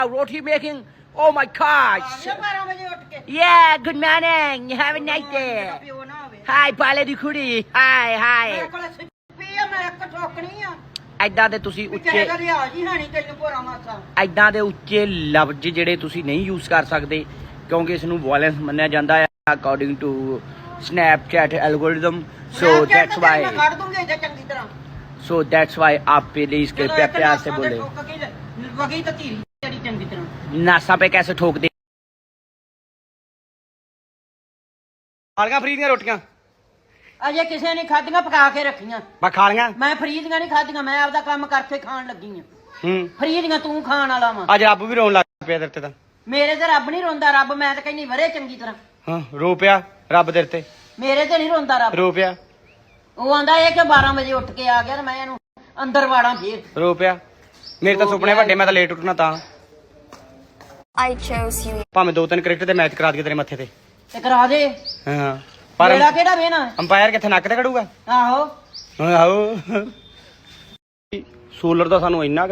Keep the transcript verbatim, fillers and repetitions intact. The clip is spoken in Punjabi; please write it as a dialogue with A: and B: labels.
A: Roti making. Oh my gosh. Yeah, good morning. You have a nice day. Hi, ਪਾਲੇ ਦੀ ਕੁੜੀ. Hi, hi. ਐਦਾਂ ਦੇ ਤੁਸੀਂ ਉੱਚੇ ਐਦਾਂ ਦੇ ਉੱਚੇ ਲਫ਼ਜ਼ ਜਿਹੜੇ ਤੁਸੀਂ ਨਹੀਂ ਯੂਜ਼ ਕਰ ਸਕਦੇ ਕਿਉਂਕਿ ਇਸ ਨੂੰ ਵਾਇਲੈਂਸ ਮੰਨਿਆ ਜਾਂਦਾ ਹੈ according to Snapchat algorithm. So that's why. So that's why आप प्लीज कृपया प्यार से बोले नासा पे कैसे ठोक दे। ਖਾਲੀਆਂ ਫਰੀ ਦੀਆਂ ਰੋਟੀਆਂ
B: ਅਜੇ ਕਿਸੇ ਨੇ ਖਾਧੀਆਂ ਪਕਾ ਕੇ ਰੱਖੀਆਂ
A: ਮੈਂ ਖਾਲੀਆਂ
B: ਮੈਂ ਫਰੀ ਦੀਆਂ ਨਹੀਂ ਖਾਧੀਆਂ ਮੈਂ ਆਪਦਾ ਕੰਮ ਕਰਕੇ ਖਾਣ ਲੱਗੀ ਆ
A: ਹੂੰ
B: ਫਰੀ ਦੀਆਂ ਤੂੰ ਖਾਣ ਵਾਲਾ ਵਾ
A: ਅੱਜ ਰੱਬ ਵੀ ਰੋਣ ਲੱਗ ਪਿਆ ਤੇਰੇ ਤੇ ਤਾਂ
B: ਮੇਰੇ ਤੇ ਰੱਬ ਨਹੀਂ ਰੋਂਦਾ ਰੱਬ ਮੈਂ ਤਾਂ ਕਹਿੰਦੀ ਵਰੇ ਚੰਗੀ ਤਰ੍ਹਾਂ
A: ਹਾਂ ਰੋ ਪਿਆ ਰੱਬ ਤੇਰੇ ਤੇ
B: ਮੇਰੇ ਤੇ ਨਹੀਂ ਰੋਂਦਾ ਰੱਬ
A: ਰੋ ਪਿਆ
B: ਉਹ ਆਂਦਾ ਇਹ ਕਿ ਬਾਰਾਂ ਵਜੇ ਉੱਠ ਕੇ ਆ ਗਿਆ ਤੇ ਮੈਂ ਇਹਨੂੰ ਅੰਦਰ ਵਾੜਾਂ ਫੇਰ
A: ਰੋ ਪਿਆ ਮੇਰੇ ਤਾਂ ਸੁਪਨੇ ਵੱਡੇ ਮੈਂ ਤਾਂ ਲੇਟ ਉੱਠਣਾ ਤਾਂ
C: I chose you.
A: ਭਾਵੇਂ ਦੋ ਤਿੰਨ ਕ੍ਰਿਕਟ ਦੇ ਮੈਚ ਕਰਾ ਦਈਏ ਤੇਰੇ ਮੱਥੇ ਤੇ
B: ਤੇ ਕਰਾ ਦੇ
A: ਹਾਂ ਪਰ
B: ਮੇਰਾ ਕਿਹੜਾ ਵੇਣਾ
A: ਅੰਪਾਇਰ ਕਿੱਥੇ ਨੱਕ ਤੇ ਖੜੂਗਾ
B: ਆਹੋ
A: ਆਹੋ ਸੋਲਰ ਦਾ ਸਾਨੂੰ ਇੰਨਾ